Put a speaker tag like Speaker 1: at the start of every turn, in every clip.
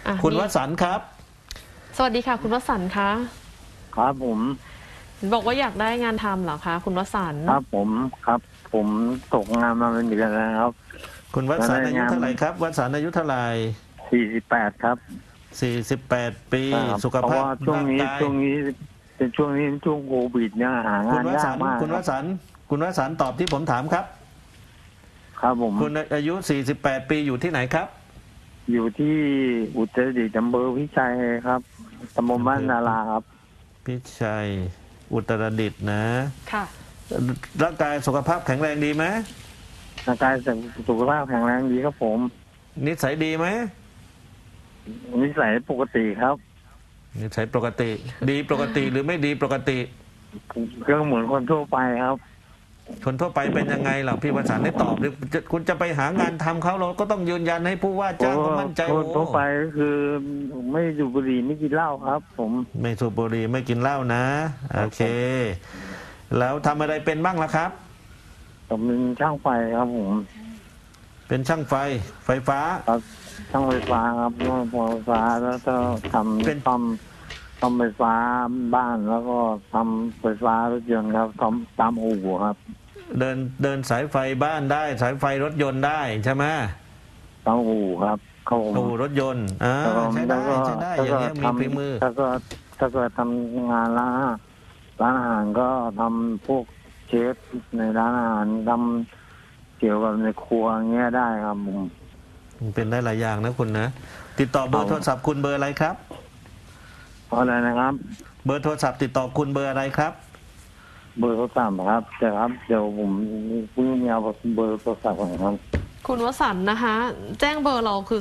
Speaker 1: คุณวสันต์ครับ
Speaker 2: สวัสดีค่ะคุณวสันต์คะ
Speaker 3: ครับผม
Speaker 2: บอกว่าอยากได้งานทำเหรอคะคุณวสันต์
Speaker 3: ครับผมตกงานมาเป็นเดือนแล้วครับ
Speaker 1: คุณวสันต์อายุเท่าไหร่ครับวสันต์อายุเท่าไหร่
Speaker 3: 48ครับ
Speaker 1: 48 ปีสุข
Speaker 3: เพราะ
Speaker 1: ภาพ
Speaker 3: ว่าช่วงนี้เป็นช่วงโควิดเนี่ยหางานยากมาก
Speaker 1: คุณวสันต์ตอบที่ผมถามครับ
Speaker 3: ครับผม
Speaker 1: คุณอายุ48 ปีอยู่ที่ไหนครับ
Speaker 3: อยู่ที่อุตรดิตถ์อำเภอพิชัยครับตำบลบ้านนาราครับ
Speaker 1: พิชัยอุตรดิตถ์นะ
Speaker 2: ค่ะ
Speaker 1: ร่างกายสุขภาพแข็งแรงดีไหม
Speaker 3: ร่างกายสุขภาพแข็งแรงดีครับผม
Speaker 1: นิสัยดีไหม
Speaker 3: นิสัยปกติครับ
Speaker 1: นิสัยปกติดีปกติหรือไม่ดีปกติ
Speaker 3: ก็เหมือนคนทั่วไปครับ
Speaker 1: คนทั่วไปเป็นยังไงล่ะพี่วสันต์ได้ตอบหรือคุณจะไปหางานทำเขาเราก็ต้องยืนยันให้ผู้ว่าจ้างเขามั่นใจ
Speaker 3: คนทั่วไปก็คือไม่สูบบุหรี่ไม่กินเหล้าครับผม
Speaker 1: ไม่สูบบุหรี่ไม่กินเหล้านะโอเคแล้วทำอะไรเป็นบ้างล่ะครับ
Speaker 3: ผมเป็นช่างไฟครับผม
Speaker 1: เป็นช่างไฟฟ้า
Speaker 3: ครับช่างไฟฟ้าครับช่างไฟฟ้าแล้วก็ทำเป็นซ่อมไฟฟ้าบ้านแล้วก็ทำไฟฟ้ารถยนต์ครับทำตามอู่ครับ
Speaker 1: เดินสายไฟบ้านได้สายไฟรถยนต์ได้ใช่ไหม
Speaker 3: ตามอู่ครับเขา
Speaker 1: อู่รถยนต์ใช้ได้อย่างนี้มีฝีมือ
Speaker 3: ถ้าก็ทำงานร้านอาหารก็ทำพวกเชฟในร้านอาหารทำเกี่ยวกับในครัวเงี้ยได้ครับผม
Speaker 1: เป็นได้หลายอย่างนะคุณนะติดต่อเบอร์โทรศัพท์คุณเบอร์อะไรครับ
Speaker 3: อะไรนะครับ
Speaker 1: เบอร์โทรศัพท์ติดต่อคุณเบอร์อะไรครับ
Speaker 3: เบอร์โทรศัพท์ครับเดี๋ยวผมเพิ่งมีเอาเบอร์โทรศัพท์ของครับ
Speaker 2: คุณวสันต์นะคะแจ้งเบอร์เราคือ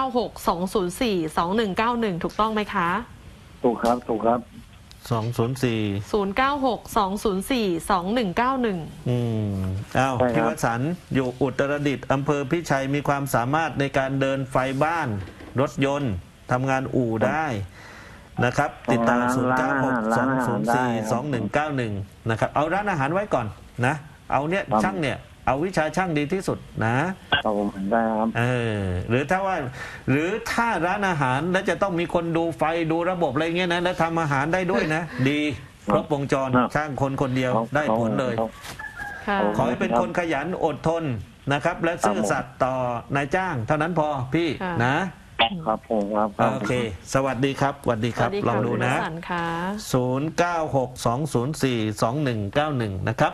Speaker 2: 0962042191ถูกต้องไหมคะ
Speaker 3: ถูกครับ
Speaker 1: 204อ้าวพี่วสันต์อยู่อุตรดิตถ์อำเภอพิชัยมีความสามารถในการเดินไฟบ้านรถยนต์ทำงานอู่ได้นะครับติดต่อ0962042191นะครับเอาร้านอาหารไว้ก่อนนะเอาเนี่ยช่างเนี่ยเอาวิชาช่างดีที่สุดนะครับ
Speaker 3: ผมได้ครับ
Speaker 1: หรือถ้าร้านอาหารแล้วจะต้องมีคนดูไฟดูระบบอะไรเงี้ยนะแล้วทำอาหารได้ด้วยนะดีครบวงจรช่างคนเดียวได้ผลเลยขอให้เป็นคนขยันอดทนนะครับและซื่อสัตย์ต่อนายจ้างเท่านั้นพอพี่
Speaker 3: นะครับผมครับ
Speaker 1: โอเคสวัสดีครับสวัสดีครับลองดูนะ0962042191นะครับ